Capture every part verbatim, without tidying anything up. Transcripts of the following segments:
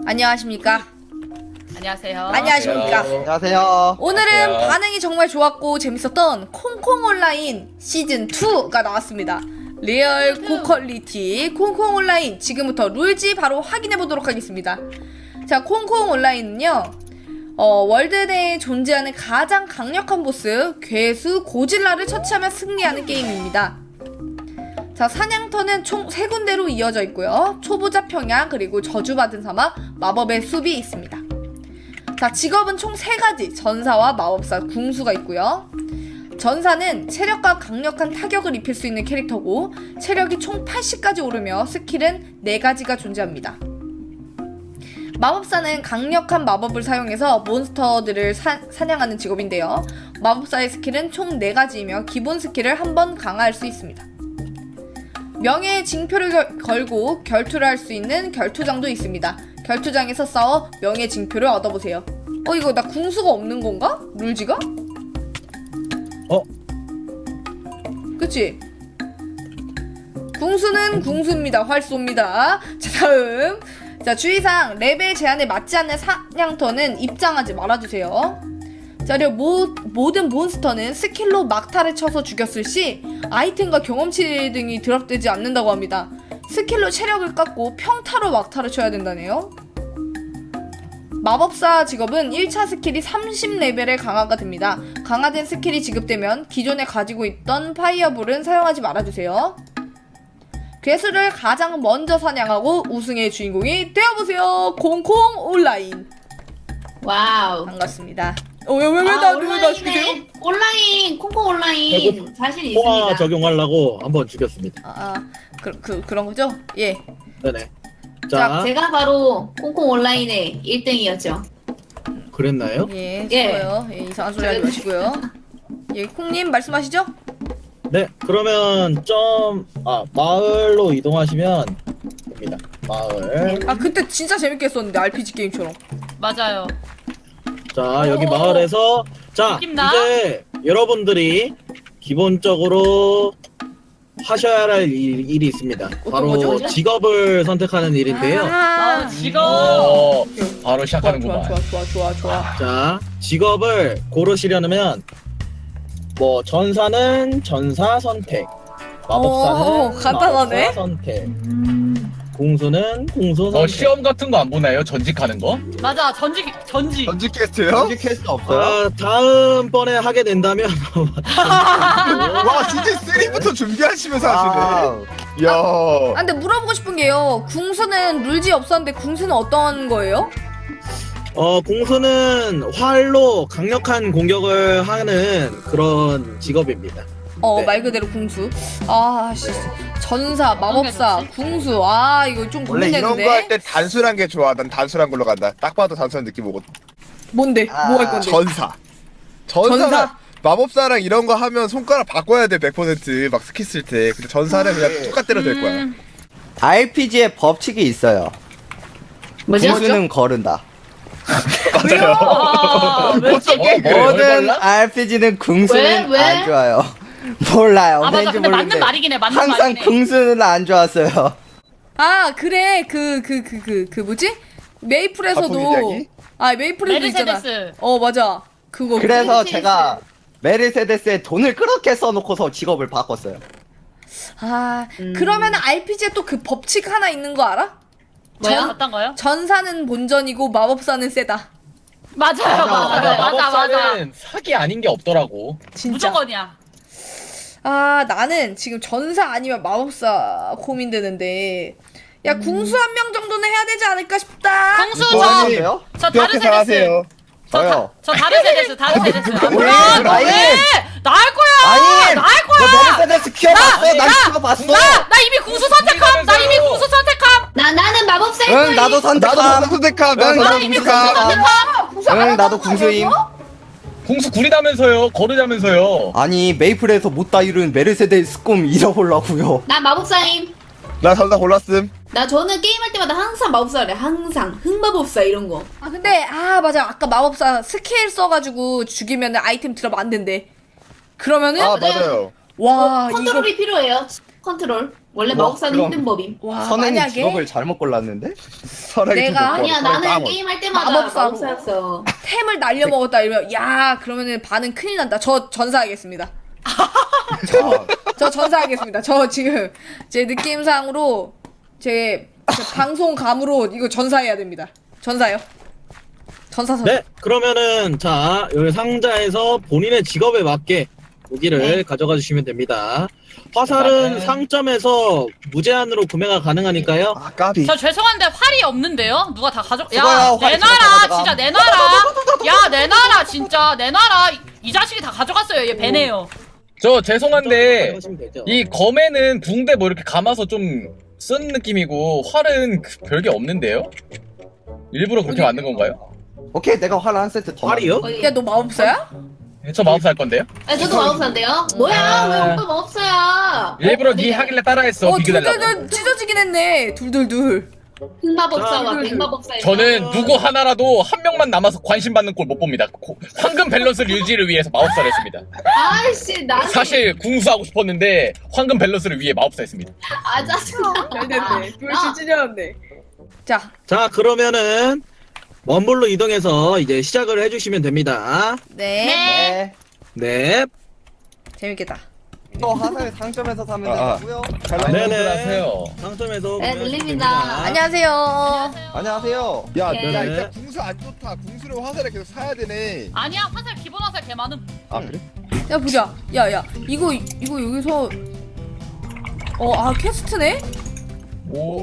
안녕하십니까? 안녕하세요. 안녕하십니까? 안녕하세요. 오늘은 안녕하세요. 반응이 정말 좋았고 재밌었던 콩콩 온라인 시즌 이가 나왔습니다. 리얼 고퀄리티 콩콩 온라인, 지금부터 룰지 바로 확인해 보도록 하겠습니다. 자, 콩콩 온라인은요, 어, 월드 내에 존재하는 가장 강력한 보스 괴수 고질라를 처치하면 승리하는 게임입니다. 자, 사냥터는 총 세 군데로 이어져 있고요. 초보자 평야, 그리고 저주받은 사막, 마법의 숲이 있습니다. 자, 직업은 총 세 가지, 전사와 마법사, 궁수가 있고요. 전사는 체력과 강력한 타격을 입힐 수 있는 캐릭터고, 체력이 총 팔십까지 오르며 스킬은 네 가지가 존재합니다. 마법사는 강력한 마법을 사용해서 몬스터들을 사, 사냥하는 직업인데요. 마법사의 스킬은 총 네 가지이며 기본 스킬을 한 번 강화할 수 있습니다. 명예의 징표를 결, 걸고 결투를 할 수 있는 결투장도 있습니다. 결투장에서 싸워 명예 징표를 얻어보세요. 어, 이거 나 궁수가 없는 건가? 룰지가? 어? 그치? 궁수는 궁수입니다. 활쏘입니다. 자, 다음. 자, 주의사항. 레벨 제한에 맞지 않는 사냥터는 입장하지 말아주세요. 자, 그리고 모, 모든 몬스터는 스킬로 막타를 쳐서 죽였을 시 아이템과 경험치 등이 드랍되지 않는다고 합니다. 스킬로 체력을 깎고 평타로 막타를 쳐야 된다네요. 마법사 직업은 일 차 스킬이 삼십 레벨에 강화가 됩니다. 강화된 스킬이 지급되면 기존에 가지고 있던 파이어볼은 사용하지 말아주세요. 괴수를 가장 먼저 사냥하고 우승의 주인공이 되어보세요. 콩콩 온라인. 와우. 반갑습니다. 어, 왜, 왜, 왜, 아, 나, 왜, 나 죽이세요? 온라인에 온라인 콩콩 온라인 결국 자신 포화 있습니다. 적용하려고 한번 죽였습니다. 아, 아 그, 그, 그런 거죠? 예. 네네. 자, 자, 제가 바로 콩콩 온라인의 일 등이었죠. 그랬나요? 예, 예. 좋아요. 예, 이상한 소리 하지 마시고요. 예, 콩님 말씀하시죠? 네, 그러면 좀, 아, 마을로 이동하시면 됩니다. 마을. 아, 그때 진짜 재밌게 했었는데, 알피지 게임처럼. 맞아요. 자, 여기 마을에서, 자, 느낌나? 이제 여러분들이 기본적으로 하셔야 할 일, 일이 있습니다. 바로 거죠? 직업을 선택하는 일인데요. 아, 직업. 어, 바로 좋아, 시작하는구만. 좋아, 좋아, 좋아, 좋아. 자, 직업을 고르시려면 뭐 전사는 전사 선택, 마법사는 오, 간단하네. 마법사 선택, 궁수는 궁수 선택. 어, 시험 같은 거 안 보나요? 전직하는 거? 맞아. 전직 전직. 전직 퀘스트요? 전직 퀘스트 없어요? 아, 다음번에 하게 된다면 와, 시즌 삼부터 준비하시면서 하시네. 이야. 아, 근데 물어보고 싶은 게요. 궁수는 룰지 없었는데, 궁수는 어떤 거예요? 어, 궁수는 활로 강력한 공격을 하는 그런 직업입니다. 어, 네. 말 그대로 궁수. 아, 씨. 전사, 마법사, 좋지? 궁수. 아, 이거 좀 원래 이런 거 할 고민되는데. 때 단순한 게 좋아. 난 단순한 걸로 간다. 딱 봐도 단순한 느낌 오거든. 뭔데? 뭐 할 건데? 전사. 전사. 전사? 마법사랑 이런 거 하면 손가락 바꿔야 돼. 백 퍼센트 막 스킬 쓸 때. 근데 전사는 그냥 똑같대로 될 거야. 음, 알피지에 법칙이 있어요. 뭐죠? 궁수는 거른다. 맞아요. 아, 왜 이렇게- 어, 뭐, 모든 얼마나? 알피지는 궁수는 왜? 왜? 안 좋아요. 몰라요. 아 맞아. 왠지 근데 모르는데 맞는 말이긴 해. 맞는 항상 말이긴 해. 궁수는 안 좋았어요. 아, 그래. 그, 그, 그, 그, 그 뭐지? 바쁜 메이플에서도. 이야기? 아, 메이플에서도 있잖아. 메르세데스. 어, 맞아. 그거. 그래서 메르세데스. 제가 메르세데스에 돈을 그렇게 써놓고서 직업을 바꿨어요. 아, 음. 그러면 알피지에 또 그 법칙 하나 있는 거 알아? 뭐요? 전- 어떤 거요? 전사는 본전이고 마법사는 세다. 맞아요. 맞아요. 맞아 맞아. 마법사는 사기 아닌 게 없더라고. 진짜. 무조건이야. 아, 나는 지금 전사 아니면 마법사 고민되는데. 야, 궁수 한 명 정도는 해야 되지 않을까 싶다. 궁수 뭐 저, 하니? 왜요? 저 그렇게 다르세데스. 생각하세요. 저, 다, 저요. 저 다르세데스. 다르세데스. 아, 왜? 뭐야? 너 아니. 왜? 나할 거야. 아니! 나할 거야. 너 메르세데스 키워봤어? 난 키워봤어. 나, 나 이미 궁수 선택함. 나 이미 궁수 선택함. 나 나는 마법사. 응, 나도 나도 선택함. 선택함. 응, 나도 이미 선택함. 응, 나도 궁수임. 궁수 구리다면서요. 거르자면서요. 아니, 메이플에서 못다 이룬 메르세데스 꿈 잃어보려고요. 나 마법사임. 나 전사 골랐음. 나 저는 게임할 때마다 항상 마법사래. 항상 흑마법사 이런 거. 아, 근데, 아, 맞아. 아까 마법사 스킬 써가지고 죽이면 아이템 드랍 안 된대. 그러면은, 아, 맞아요. 와, 이거. 컨트롤이 필요해요. 컨트롤. 원래 와, 마법사는 그럼. 힘든 법임. 와 선행이 만약에 직업을 잘못 골랐는데? 설악이 내가- 좀 아니야 못 골라. 나는 까먹어. 게임 할 때마다 마법사고. 마법사였어. 템을 날려 먹었다 이러면 야 그러면은 반은 큰일 난다. 저 전사하겠습니다. 아, 저 전사하겠습니다. 저 지금 제 느낌상으로 제, 제 방송감으로 이거 전사해야 됩니다. 전사요. 전사 선. 네, 그러면은 자 여기 상자에서 본인의 직업에 맞게 무기를 네. 가져가 주시면 됩니다. 화살은 네. 상점에서 무제한으로 구매가 가능하니까요. 아 까비. 저 죄송한데 활이 없는데요? 누가 다 가져? 수고야, 야 활 내놔라 가져가. 진짜 내놔라. 야 내놔라 진짜 내놔라. 이, 이 자식이 다 가져갔어요. 얘 배네요. 저 죄송한데 가져가시면 되죠. 이 검에는 붕대 뭐 이렇게 감아서 좀 쓴 느낌이고 활은 그 별게 없는데요? 일부러 그렇게 만든 건가요? 오케이 내가 활 한 세트 더. 활이요? 만들게. 야 너 마법사야? 저 마법사 할 건데요? 아 저도 마법사인데요. 뭐야 아. 왜 오빠 마법사야? 일부러 어, 니 네. 하길래 따라했어 어 비교달라고. 둘둘둘 찢어지긴 했네. 둘둘둘. 흑마법사와 아, 백마법사의 저는 누구 하나라도 한 명만 남아서 관심 받는 꼴 못 봅니다. 고- 황금 밸런스 유지를 위해서 마법사를 했습니다. 아이씨 나는 사실 궁수하고 싶었는데 황금 밸런스를 위해 마법사 했습니다. 아 짜증나. 나- 찢어졌네. 자 자 그러면은 원불로 이동해서 이제 시작을 해주시면 됩니다. 네. 네. 네. 네. 재밌겠다. 이거 화살 상점에서 사면 아, 아. 되고요. 네네. 하세요. 상점에서 네, 구매하시면 들립니다. 됩니다. 안녕하세요. 안녕하세요. 야, 네. 야 일단 궁수 안 좋다. 궁수를 화살에 계속 사야 되네. 아니야 화살 기본 화살 개 많음. 아 그래? 야 보자. 야야 이거 이거 여기서 어 아 퀘스트네? 오.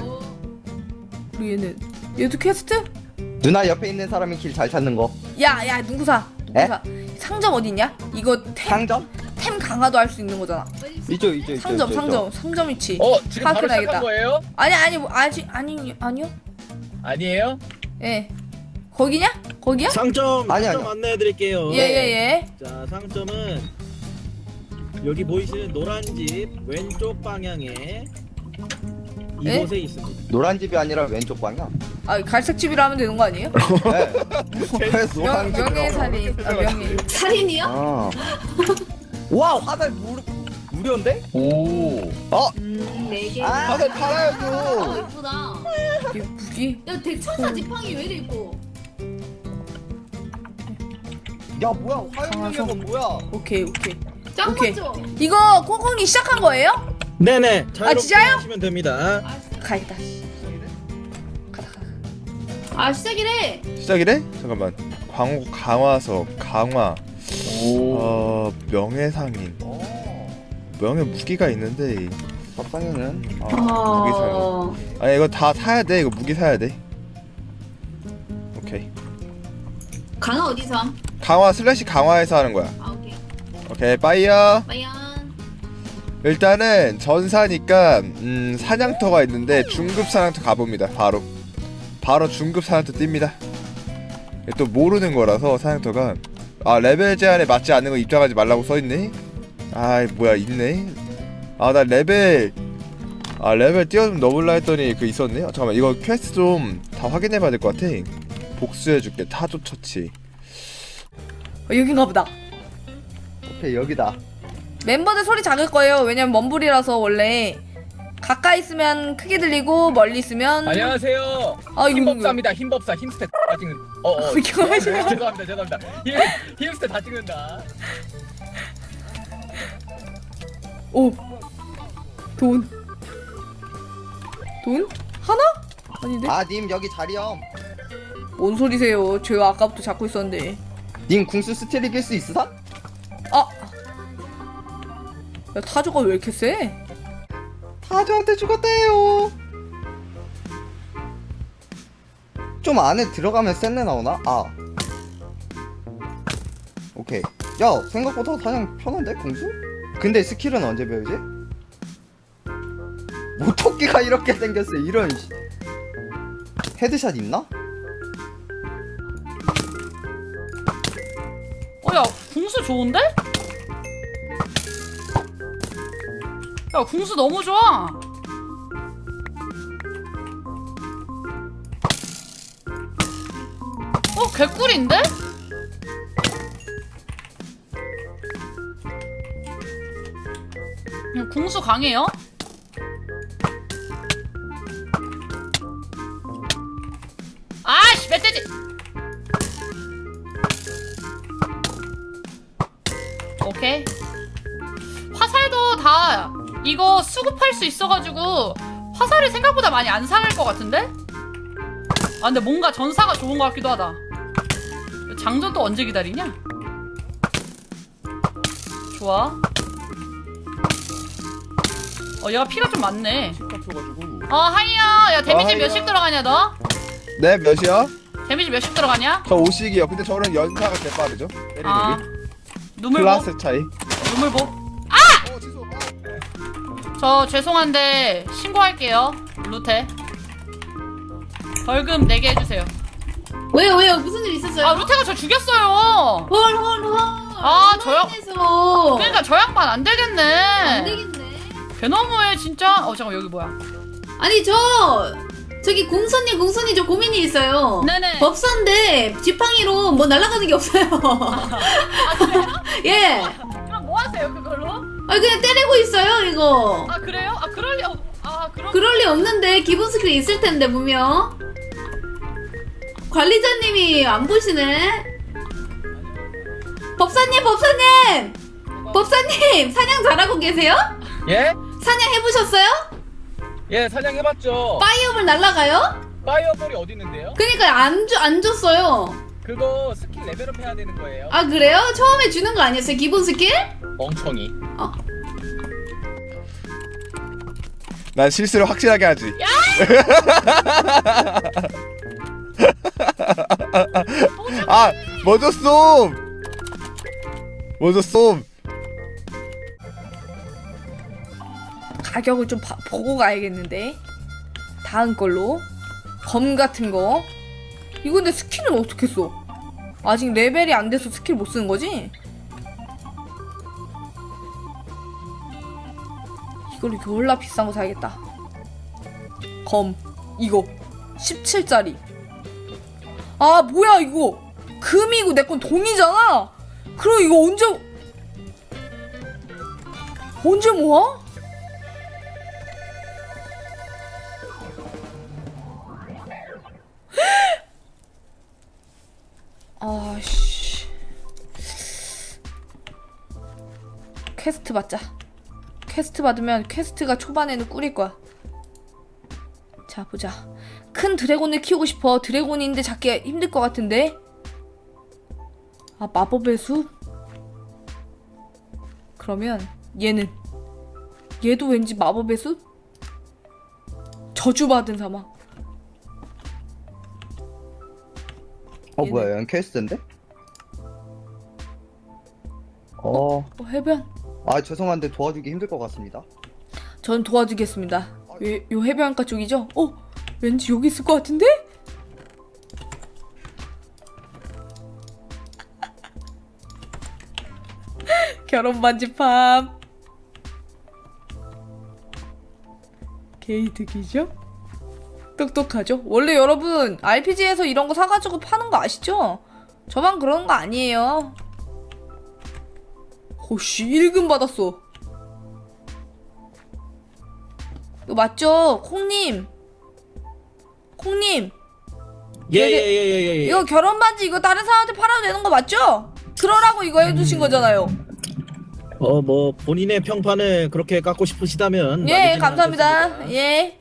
우리 얘는 얘도 퀘스트? 누나 옆에 있는 사람이 길 잘 찾는 거. 야야 누구사? 누구사? 상점 어디 있냐? 이거 템, 상점? 템 강화도 할 수 있는 거잖아. 이쪽 이쪽 이쪽. 상점 이쪽, 상점 상점 위치. 어 지금 바로 파악해놔야겠다. 시작한 거예요? 아니 아니 뭐 아직 아니 아니요? 아니에요? 예. 거기냐? 거기야? 상점 아니, 상점 아니. 안내해드릴게요. 예예예. 자 상점은 여기 보이시는 노란 집 왼쪽 방향에 이곳에 네? 있습니다. 노란 집이 아니라 왼쪽 방향. 아 갈색 집이라 하면 되는 거 아니에요? 네. 그래서 명, 노란 집이라고. 명예살인. 아 명예. 살인이요? 아. 와 화살 무 무료인데? 오. 음네 개. 아. 화살 어 팔아야죠. 이쁘다. 이게 무기? 야 대천사 지팡이 왜 이래 이뻐? 야 뭐야 화염력이 뭐야? 오케이 오케이. 짱 오케이. 맞죠? 이거 콩콩이 시작한 거예요? 네네. 자유롭게 진짜요? 하시면 됩니다. 가있다. 가다 가다. 아 시작이래. 시작이래? 잠깐만. 광 강화석 강화. 오. 어 명예상인. 어. 명예 무기가 있는데. 밥상에는 아 무기 사야 어. 돼. 아니 이거 다 사야 돼. 이거 무기 사야 돼. 오케이. 강아 어디서? 함? 강화 슬래시 강화해서 하는 거야. 아 오케이. 오케이 빠이어. 과연 일단은 전사니까 음, 사냥터가 있는데 중급 사냥터 가봅니다. 바로 바로 중급 사냥터 뜁니다. 이게 또 모르는 거라서 사냥터가 아 레벨 제한에 맞지 않는 거 입장하지 말라고 써있네. 아이 뭐야 있네. 아 나 레벨 아 레벨 뛰어좀 넣을라 했더니 그 있었네. 아, 잠깐만 이거 퀘스트 좀 다 확인해봐야 될 것 같아. 복수해줄게 타조 처치. 어, 여긴가 보다. 오케이 여기다. 멤버들 소리 작을 거예요. 왜냐면 먼불이라서 원래 가까이 있으면 크게 들리고 멀리 있으면 안녕하세요. 아 이거 힘법사입니다. 힘법사 힘스탯 다 찍는. 어 어. 이거 하시면 죄송합니다. 죄송합니다. 힘 힘스탯 다 찍는다. 오. 돈. 돈? 하나? 아닌데? 아 님 여기 자리염. 뭔 소리세요? 제가 아까부터 잡고 있었는데. 님 궁수 스틸 이길 수 있으사? 아. 야 타조가 왜 이렇게 세? 타조한테 죽었대요. 좀 안에 들어가면 센내 나오나? 아. 오케이. 야 생각보다 사냥 편한데 궁수? 근데 스킬은 언제 배우지? 뭐 토끼가 이렇게 생겼어 이런 씨. 헤드샷 있나? 어야 궁수 좋은데? 야 궁수 너무 좋아. 어 개꿀인데? 음, 궁수 강해요? 아씨 멧돼지. 오케이. 화살도 다 이거 수급할 수 있어가지고 화살이 생각보다 많이 안 상할 것 같은데? 아 근데 뭔가 전사가 좋은 것 같기도 하다. 장전 또 언제 기다리냐? 좋아. 어 얘가 피가 좀 많네. 어 하이야. 야 데미지 어, 하이야. 몇씩 들어가냐 너? 네 몇이요? 데미지 몇씩 들어가냐? 저 오씩이요. 근데 저는 연사가 제 빠르죠. 아 때리는 눈물보? 클라스 차이. 눈물보? 어, 취소. 저 죄송한데 신고할게요. 루테 벌금 내게 해주세요. 왜요 왜요 무슨 일 있었어요? 아 루테가 저 죽였어요. 헐헐헐. 아, 저요? 에서 그러니까 저 양반 안 되겠네. 안 되겠네. 개너무해 진짜. 어 잠깐 여기 뭐야? 아니 저 저기 공손님 공손님 저 고민이 있어요. 네네. 법사인데 지팡이로 뭐 날아가는 게 없어요. 아 그래요? 예. 그럼 뭐 하세요 그걸로? 아 그냥 때리고 있어요 이거. 아 그래요? 아 그럴 리 없. 아 그럼. 그럴 리 없는데 기본 스킬이 있을 텐데 분명. 관리자님이 안 보시네. 법사님 법사님 법사님 사냥 잘하고 계세요? 예? 사냥 해보셨어요? 예, 사냥해봤죠. 파이어볼 날라가요? 파이어볼이 어디 있는데요? 그러니까 안, 주, 안 줬어요. 그거 스킬 레벨업 해야 되는 거예요. 아 그래요? 처음에 주는 거 아니었어요? 기본 스킬? 멍청이. 어. 난 실수를 확실하게 하지. 아, 먼저 쏨. 먼저 쏨. 가격을 좀 봐- 보고 가야겠는데. 다음 걸로 검 같은 거. 이거 근데 스킬은 어떻게 써? 아직 레벨이 안 돼서 스킬 못 쓰는 거지? 이걸로 졸라 비싼 거 사야겠다. 검 이거 십칠 짜리. 아 뭐야 이거 금이고 내 건 동이잖아. 그럼 이거 언제 언제 모아? 아씨. 퀘스트 받자. 퀘스트 받으면 퀘스트가 초반에는 꿀일 거야. 자 보자. 큰 드래곤을 키우고 싶어. 드래곤인데 잡기 힘들 것 같은데. 아 마법의 숲? 그러면 얘는 얘도 왠지 마법의 숲? 저주받은 사막. 어 얘네. 뭐야? 얘는 퀘스트인데? 어. 어 해변. 아 죄송한데 도와주기 힘들 것 같습니다. 전 도와주겠습니다. 요, 요 해변가 쪽이죠? 어? 왠지 여기 있을 것 같은데? 결혼 반지팜. 게이득이죠? 똑똑하죠? 원래 여러분 알피지에서 이런 거 사가지고 파는 거 아시죠? 저만 그런 거 아니에요. 호씨 일 금 받았어. 이거 맞죠? 콩님. 콩님. 예예예예예. 이거 결혼 반지 이거 다른 사람한테 팔아도 되는 거 맞죠? 그러라고 이거 해주신 거잖아요. 어 뭐 본인의 평판을 그렇게 깎고 싶으시다면. 예, 나쁘지는 감사합니다. 않겠습니다. 예.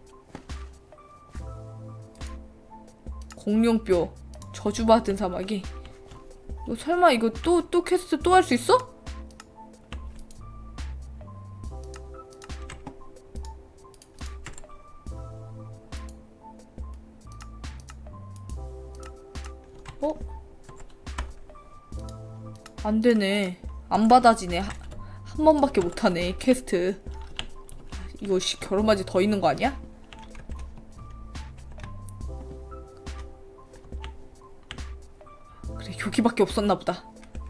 공룡뼈 저주받은 사마귀. 너 설마 이거 또 또 퀘스트 또 할 수 있어? 어? 안 되네. 안 받아지네. 하, 한 번밖에 못 하네. 퀘스트. 이거 씨 결혼바지 더 있는 거 아니야? 그래 여기밖에 없었나 보다.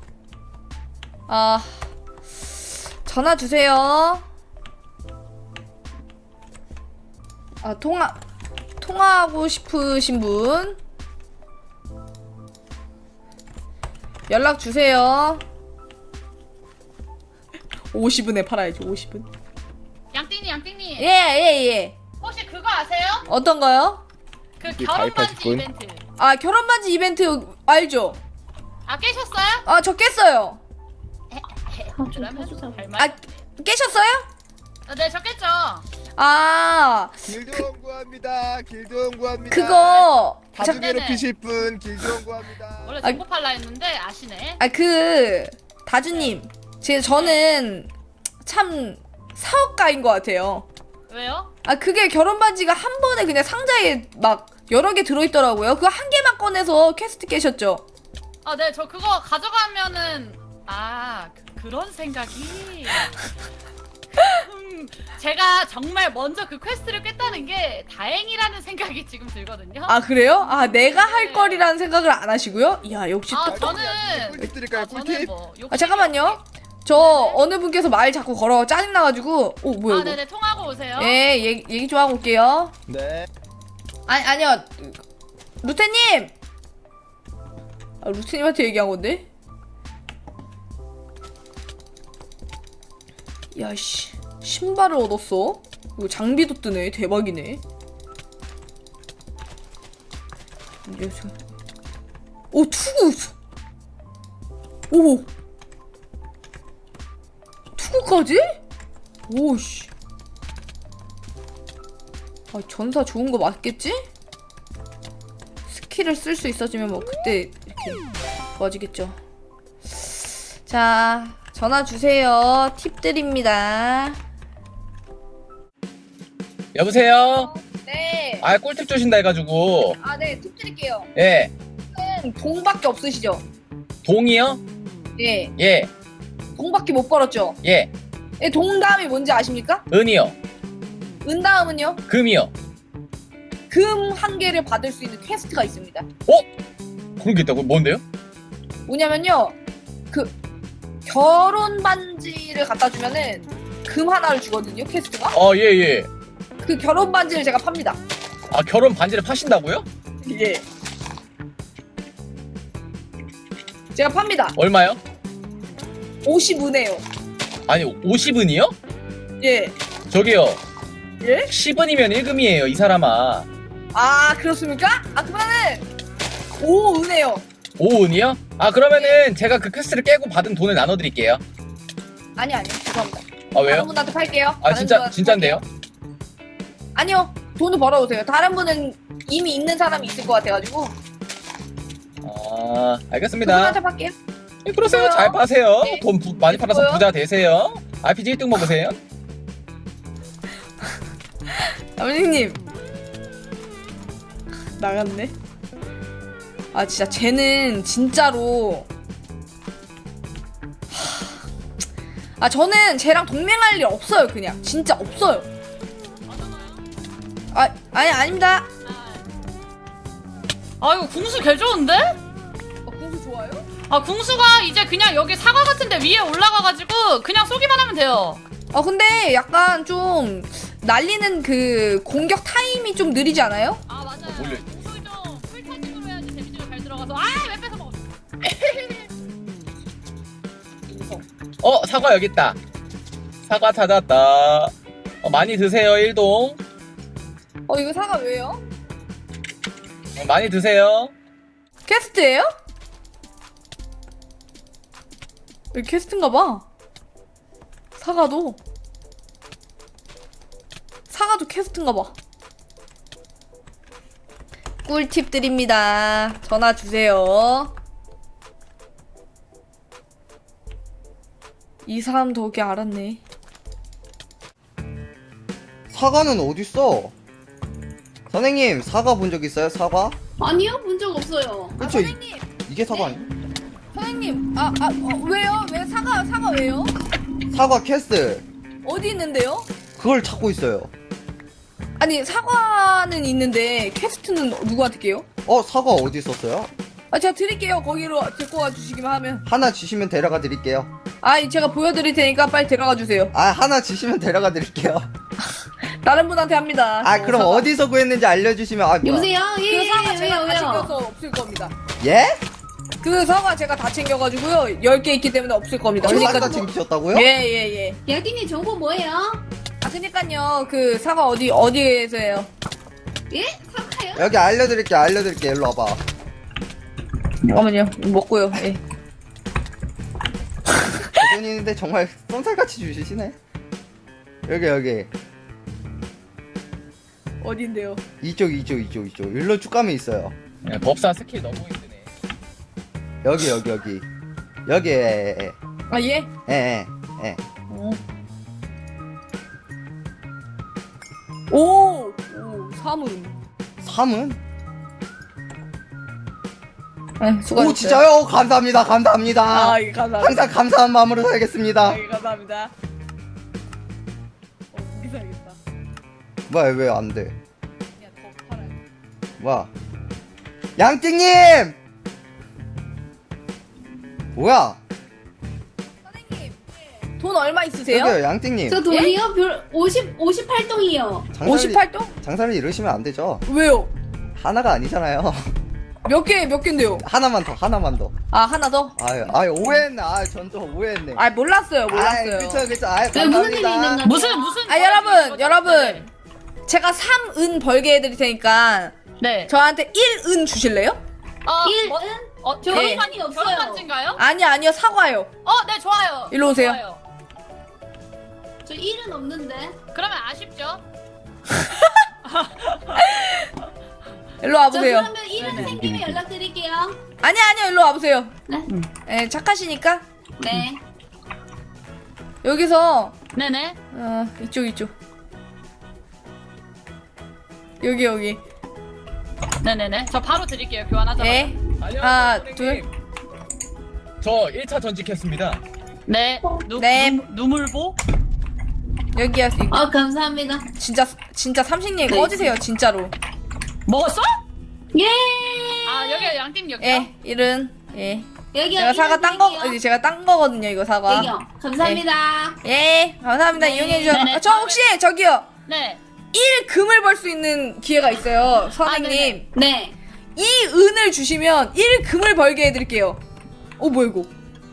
아 전화 주세요. 아 통화 통화하고 싶으신 분 연락 주세요. 오십원에 팔아야지 오십원. 양띵님 양띵님 예예 예. 혹시 그거 아세요? 어떤 거요? 그 이게 결혼 반지 가입하실 분? 이벤트. 아 결혼 반지 이벤트 알죠? 아 깨셨어요? 아 저 깼어요. 그러면 할 말. 아 깨셨어요? 아, 네 적겠죠. 아 길드원 구합니다. 길드원 구합니다. 그거 다중 네네. 괴롭히실 분 길드원 구합니다. 원래 아, 정보 팔라 했는데 아시네. 아 그 다주님 제 저는 참 사업가인 것 같아요. 왜요? 아 그게 결혼 반지가 한 번에 그냥 상자에 막 여러 개 들어있더라고요. 그거 한 개만 꺼내서 퀘스트 깨셨죠? 아, 네, 저 그거 가져가면은 아 그, 그런 생각이. 음, 제가 정말 먼저 그 퀘스트를 깼다는 게 다행이라는 생각이 지금 들거든요. 아 그래요? 아 내가 할 거리라는 생각을 안 하시고요? 이야 역시 아, 또. 저는 꿀팁 드릴까요? 아, 저는 꿀팁? 뭐 욕심이 아 잠깐만요. 저 어느 분께서 말 자꾸 걸어 짜증 나가지고. 오 뭐야 아, 이거? 네네 통하고 오세요. 예 얘기, 얘기 좀 하고 올게요. 네. 아니 아니요 루테님. 아 루테님한테 얘기한 건데. 야씨 신발을 얻었어. 이거 장비도 뜨네. 대박이네. 이제 저- 오 투구. 오 투구까지? 오씨. 아 전사 좋은 거 맞겠지? 스킬을 쓸 수 있어지면 뭐 그때 이렇게 좋아지겠죠. 자 전화 주세요. 팁 드립니다. 여보세요? 네. 아 꿀팁 주신다 해가지고. 아 네 팁 드릴게요. 예. 동밖에 없으시죠? 동이요? 예. 예. 동밖에 못 벌었죠? 예. 예, 동 다음이 뭔지 아십니까? 은이요. 은 다음은요? 금이요. 금 한 개를 받을 수 있는 퀘스트가 있습니다. 그런 게 있다고? 뭔데요? 뭐냐면요, 그 결혼 반지를 갖다 주면은 금 하나를 주거든요, 퀘스트가. 아, 예, 예. 그 결혼 반지를 제가 팝니다. 아, 결혼 반지를 파신다고요? 예. 제가 팝니다. 얼마요? 오십 은에요. 아니, 오십 은이요? 예. 저기요. 예? 십 은이면 일 금이에요, 이 사람아. 아, 그렇습니까? 아, 그러면은 오 은에요. 오 은이요? 아, 그러면은 제가 그 퀘스트를 깨고 받은 돈을 나눠드릴게요. 아니, 아니요. 죄송합니다. 아, 다른 왜요? 분한테 팔게요. 아, 다른 진짜, 분한테 진짠데요? 팔게요. 아니요. 돈을 벌어오세요. 다른 분은 이미 있는 사람이 있을 것 같아가지고. 아, 알겠습니다. 그분한테 팔게요. 예, 그러세요. 됐고요. 잘 파세요. 네. 돈 부, 많이 팔아서 됐고요. 부자 되세요. 알피지 일 등 먹으세요. 아버님 나갔네. 아 진짜 쟤는 진짜로 하... 아 저는 쟤랑 동맹할 일 없어요. 그냥 진짜 없어요. 아 아니 아닙니다. 아, 이거 궁수 개 좋은데? 어, 궁수 좋아요? 아, 궁수가 이제 그냥 여기 사과 같은데 위에 올라가가지고 그냥 쏘기만 하면 돼요. 아 근데 약간 좀 날리는 그 공격 타임이 좀 느리지 않아요? 아, 맞아요. 몰래. 궁수 좀 풀타임으로 해야지 데미지가 잘 들어가서. 아, 왜 뺏어 먹었어? 어, 사과 여기 있다. 사과 찾았다. 어, 많이 드세요, 일동. 어 이거 사과 왜요? 어, 많이 드세요. 퀘스트예요? 여기 퀘스트인가봐. 사과도 사과도 퀘스트인가봐. 꿀팁 드립니다. 전화 주세요. 이 사람 덕에 알았네. 사과는 어딨어? 선생님 사과 본 적 있어요? 사과? 아니요, 본 적 없어요. 아, 그쵸? 선생님, 이게 사과 아니야? 선생님, 아, 아, 어, 왜요? 왜 사과, 사과 왜요? 사과 캐스트 어디 있는데요? 그걸 찾고 있어요. 아니, 사과는 있는데 퀘스트는 누구한테 깨요? 어 사과 어디 있었어요? 아, 제가 드릴게요. 거기로 데리고 와주시기만 하면. 하나 주시면 데려가 드릴게요. 아, 제가 보여드릴 테니까 빨리 데려가 주세요. 아 하나 주시면 데려가 드릴게요. 다른 분한테 합니다. 아 어, 그럼 사과. 어디서 구했는지 알려주시면 아 뭐야. 여보세요? 예, 그 사과 예, 제가 왜요, 다 왜요? 챙겨서 없을 겁니다. 예? 그 사과 제가 다 챙겨가지고요. 열 개 있기 때문에 없을 겁니다. 싹 다 그러니까 챙기셨다고요? 예예 예. 야기님 정보 뭐예요? 아 그니까요. 그 사과 어디 어디에서예요? 예? 사과요? 여기 알려드릴게 알려드릴게 일로 와봐. 잠깐만요. 먹고요. 예. 대전인데 정말 쏜살같이 주시네. 여기 여기 어딘데요? 이쪽 이쪽 이쪽 이쪽 일로 쭉 가면 있어요. 야, 법사 스킬 너무 힘드네. 여기 여기 여기 여기 에에에 아 예? 에, 에. 어. 오, 오, 사문. 삼은? 아, 수고하셨어요. 오 진짜요? 감사합니다 감사합니다. 아, 예, 감사합니다. 항상 감사한 마음으로 살겠습니다. 아, 예, 감사합니다. 어, 무기 사야겠다. 뭐야 왜 안 돼? 그냥 더 팔아야 돼. 뭐야? 양띵님! 뭐야? 선생님, 돈 얼마 있으세요? 여기요 양띵님. 저 돈이요? 별 오십, 오십팔 동이요. 장사를, 오십팔 동? 장사를 이러시면 안 되죠. 왜요? 하나가 아니잖아요. 몇 개, 몇 개인데요? 하나만 더 하나만 더. 아, 하나 더? 아유 아유 오해했네. 아전 또 오해했네. 아, 몰랐어요, 아이, 몰랐어요. 그쵸 그쵸. 아유 왜 무슨 일이 있는 감사합니다. 거죠? 무슨 무슨 아, 여러분, 여러분. 제가 삼 은 벌게 해드릴 테니까 네. 저한테 일 은 주실래요? 어, 일 뭐, 은? 어, 저 결혼 일 반- 은이 없어요. 결혼 반지인가요? 아니요, 아니요, 사과요. 어, 네 좋아요. 일로 오세요. 좋아요. 저 일은 없는데. 그러면 아쉽죠? 일로 저 와보세요. 그러면 일은 네네. 생기면 연락드릴게요. 아니요, 아니요, 일로 와보세요. 네. 예, 착하시니까. 네. 여기서, 네네. 어, 이쪽, 이쪽. 여기, 여기. 네네네. 저 바로 드릴게요. 교환하자마자. 네. 안녕하세요. 하나, 선생님. 저 일 차 전직했습니다. 네. 누, 네. 누, 누물보? 여기야. 이- 아, 감사합니다. 진짜, 진짜 삼식님 네. 꺼지세요, 진짜로. 먹었어? 예! 아, 여기 양팀 여기요? 예, 일은. 예. 여기요. 제가 사과 일은 딴 거, 드릴게요. 이제 제가 딴 거거든요, 이거 사과. 여기요. 감사합니다. 예, 감사합니다. 네. 이용해주셔서. 네네, 아, 저 혹시, 저기요. 네. 일 금을 벌 수 있는 기회가 있어요, 선생님. 네. 이 은을 주시면 일 금을 벌게 해드릴게요. 어, 뭐야, 이거?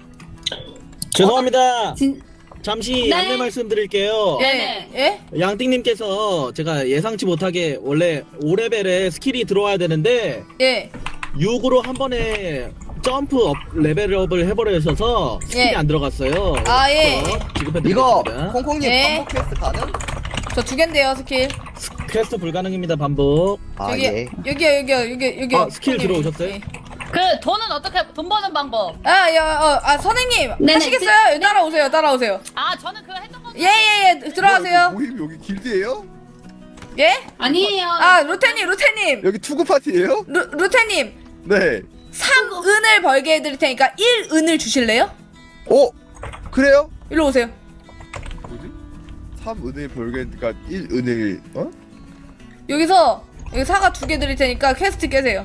죄송합니다. 진, 잠시 네. 안내 말씀드릴게요. 예, 네네. 예? 양띵님께서 제가 예상치 못하게 원래 오 레벨에 스킬이 들어와야 되는데 예. 육으로 한 번에 점프 업 레벨업을 해버리셔서 스킬이 예. 안 들어갔어요. 아, 예. 그래서 이거 지급해드리겠습니다. 콩콩님 네. 반복 퀘스트 가능? 저 두 갠데요, 스킬. 퀘스트 불가능입니다. 반복. 아 여기, 예. 여기요, 여기요, 여기, 여기. 아, 스킬 들어오셨어요? 예. 그 돈은 어떻게 돈 버는 방법? 아, 야, 어, 아, 선생님. 네네, 하시겠어요? 따라오세요, 따라오세요. 아, 저는 그거 했던 거. 예, 예, 예. 들어가세요. 모임 여기 길드예요? 예? 아니에요. 아, 루테님, 루테님. 여기 투구 파티예요? 루, 루테님. 네. 삼 은을 벌게 해드릴 테니까 일 은을 주실래요? 어? 그래요? 일로 오세요. 뭐지? 삼 은을 벌게니까 일 은을 어? 여기서 여기 사과 두 개 드릴 테니까 퀘스트 깨세요.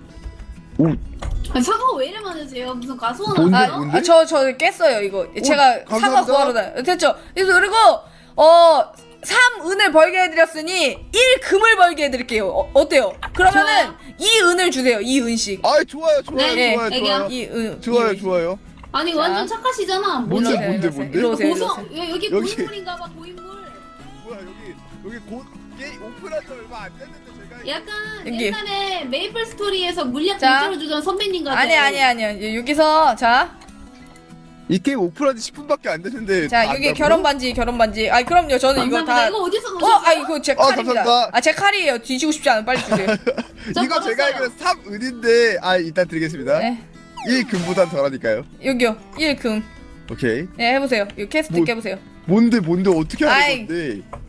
아, 사과 왜 이래 많으세요? 무슨 가수원 뭔데, 하세요? 아, 뭔데? 아, 저, 저 깼어요, 이거. 제가 사과 감사합니다. 구하러 다 됐죠? 그래서 그리고, 어, 삼 은을 벌게 해드렸으니, 일 금을 벌게 해드릴게요. 어, 어때요? 그러면은, 이 은을 주세요, 이 은씩. 아 좋아요 좋아요 네, 좋아요 애기야. 좋아요 이 은. 좋아요 이 은. 좋아요 아니, 자. 완전 착하시잖아. 뭔데, 뭐지? 뭔데, 뭔데? 일로 오세요, 일로 고성, 오세요. 여- 여기 여기. 고인물인가 봐, 고인물. 뭐야 여기 여기 곧 게임 오픈한 지 얼마 안 됐는데 제가 약간 여기. 옛날에 메이플 스토리에서 물약 자. 공짜로 주던 선배님 같아요. 아니, 아니, 아니요. 여기서, 자. 이 게임 오픈한 지 십 분밖에 안 됐는데 자, 다 여기 안다고요? 결혼 반지, 결혼 반지. 아, 그럼요. 저는 이거 감사합니다. 다. 이거 어디서 어, 넣으셨어요? 아, 이거 제 아, 칼입니다. 감사합니다. 아, 제 칼이에요. 뒤지고 싶지 않으면 빨리 주세요. 저 이거 제가 걸었어요. 알기로 삼 은인데 아 일단 드리겠습니다 네. 일 금보단 덜하니까요 여기요. 일 금. 오케이 네, 해보세요. 이거 캐스트 뭐- 깨보세요. 뭔데 뭔데 어떻게 아이. 하는 건데